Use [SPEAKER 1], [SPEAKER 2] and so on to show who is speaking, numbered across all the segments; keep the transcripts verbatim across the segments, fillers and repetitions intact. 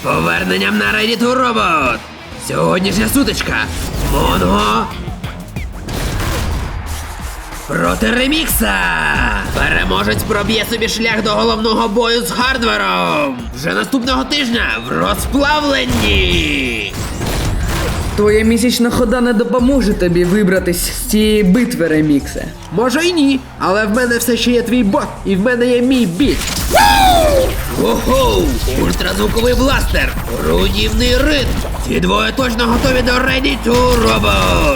[SPEAKER 1] поверненням на Ready to Robot! Сьогоднішня сутичка. Монго проти Ремікса! Переможець проб'є собі шлях до головного бою з Хардвером! Вже наступного тижня в Розплавленні!
[SPEAKER 2] Твоя місячна хода не допоможе тобі вибратись з цієї битви, Реміксе.
[SPEAKER 1] Може й ні, але в мене все ще є твій бот, і в мене є мій біт. Ого! Ультразвуковий бластер! Руйнівний ритм! Ці двоє точно готові до Ready to Robot!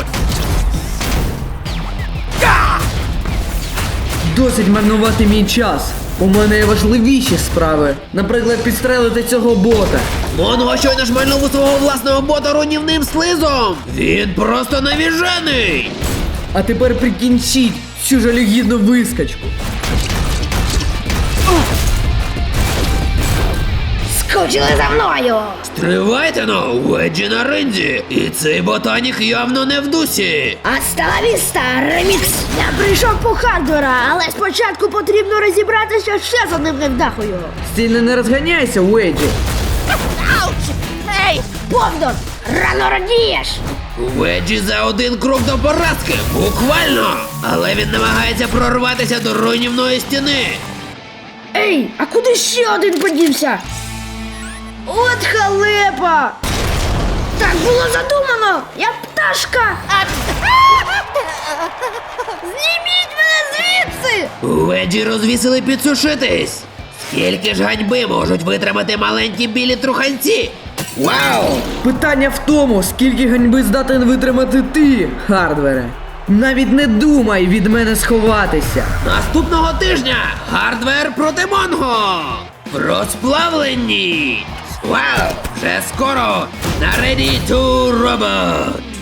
[SPEAKER 2] Досить марнувати мій час. У мене є важливіші справи. Наприклад, підстрелити цього бота.
[SPEAKER 1] Монго щойно шмальнув у свого власного бота руйнівним слизом! Він просто навіжений!
[SPEAKER 2] А тепер прикінчіть цю жалюгідну вискочку.
[SPEAKER 3] Скучили за мною!
[SPEAKER 1] Стривайте но, Веджі на ринзі! І цей ботанік явно не в дусі!
[SPEAKER 3] Астала віста, Ремікс! Я прийшов по Хардвера, але спочатку потрібно розібратися ще з одним невдахою.
[SPEAKER 2] Сильно не розганяйся, Веджі.
[SPEAKER 3] Ауч! Ей, Бовдон! Рано радієш!
[SPEAKER 1] Веджі за один крок до поразки, буквально! Але він намагається прорватися до руйнівної стіни!
[SPEAKER 3] Ей, а куди ще один подівся? От халепа! Так було задумано! Я пташка! Зніміть мене звідси!
[SPEAKER 1] Веджі розвісили підсушитись! Скільки ж ганьби можуть витримати маленькі білі труханці? Вау!
[SPEAKER 2] Питання в тому, скільки ганьби здатен витримати ти, Хардвере. Навіть не думай від мене сховатися.
[SPEAKER 1] Наступного тижня Хардвер проти Монго! В Розплавленні! Вау! Вже скоро на Ready to Robot!